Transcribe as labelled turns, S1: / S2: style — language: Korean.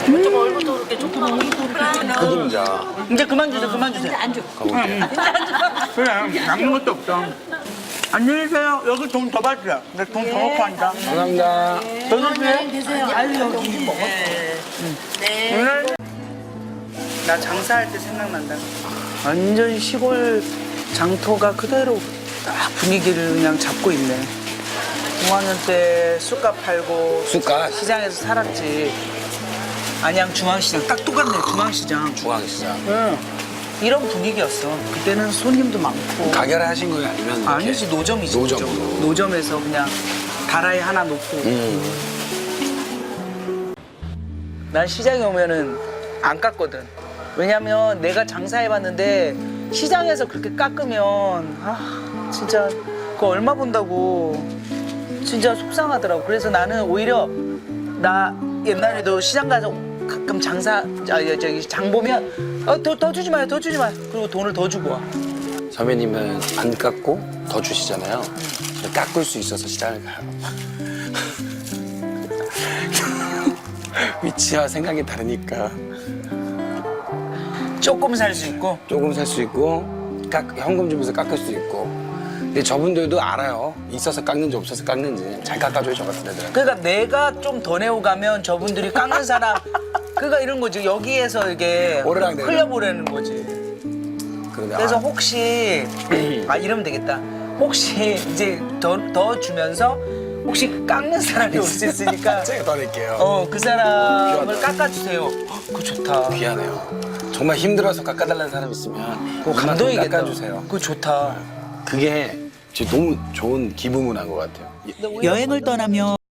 S1: 좀 얼굴도 그렇게 좋고.
S2: 그림자.
S3: 이제 그만 주세요, 그만 주세요.
S1: 안 줘.
S2: 가볼게.
S3: 그래, 남는 것도 없어. 안녕히 계세요. 여기 돈 더 받으세요. 내 돈 더 넣고 앉아.
S2: 감사합니다.
S3: 더 주세요.
S1: 드세요.
S3: 아유, 여기.
S1: 네.
S3: 나 장사할 때 생각난다. 완전 시골 장터가 그대로 딱 분위기를 그냥 잡고 있네. 중학년 때 쑥갓 팔고
S2: 쑥갓?
S3: 시장에서 살았지. 안양 중앙시장 딱 똑같네. 중앙시장.
S2: 중앙시장.
S3: 응. 이런 분위기였어. 그때는 손님도 많고.
S2: 가게를 하신 거예요? 아니면 이렇게?
S3: 아니지, 노점이지.
S2: 노점으로.
S3: 노점에서 그냥 다라이 하나 놓고. 난 시장에 오면은 안 깎거든. 왜냐면 내가 장사해봤는데 시장에서 그렇게 깎으면 진짜 그거 얼마 본다고 진짜 속상하더라고. 그래서 나는 오히려 나 옛날에도 시장 가서 가끔 장 보면 더 주지 마요, 더 주지 마요. 그리고 돈을 더 주고 와.
S2: 선배님은 안 깎고 더 주시잖아요. 깎을 수 있어서 시장을 가요. 위치와 생각이 다르니까
S3: 조금 살 수 있고.
S2: 조금 살 수 있고 현금 주면서 깎을 수 있고. 근데 저분들도 알아요. 있어서 깎는지 없어서 깎는지. 잘 깎아줘요, 저 같은 애들은.
S3: 그러니까 내가 좀 더 내고 가면 저분들이 깎는 사람 그러니까 이런 거지. 여기에서 이게
S2: 오르락내리락.
S3: 흘려보내는 거지.
S2: 그런데
S3: 그래서 혹시 이러면 되겠다. 혹시 이제 더 주면서 혹시 깎는 사람이 올 수 있으니까
S2: 제가 더 낼게요.
S3: 그 사람을
S2: 귀하다.
S3: 깎아주세요. 그거 좋다.
S2: 귀하네요. 정말 힘들어서 깎아달라는 사람 있으면
S3: 그거 감동이겠다.
S2: 깎아주세요.
S3: 그거 좋다.
S2: 그게 진짜 너무 좋은 기부 문화인 것 같아요.
S4: 여행을 떠나며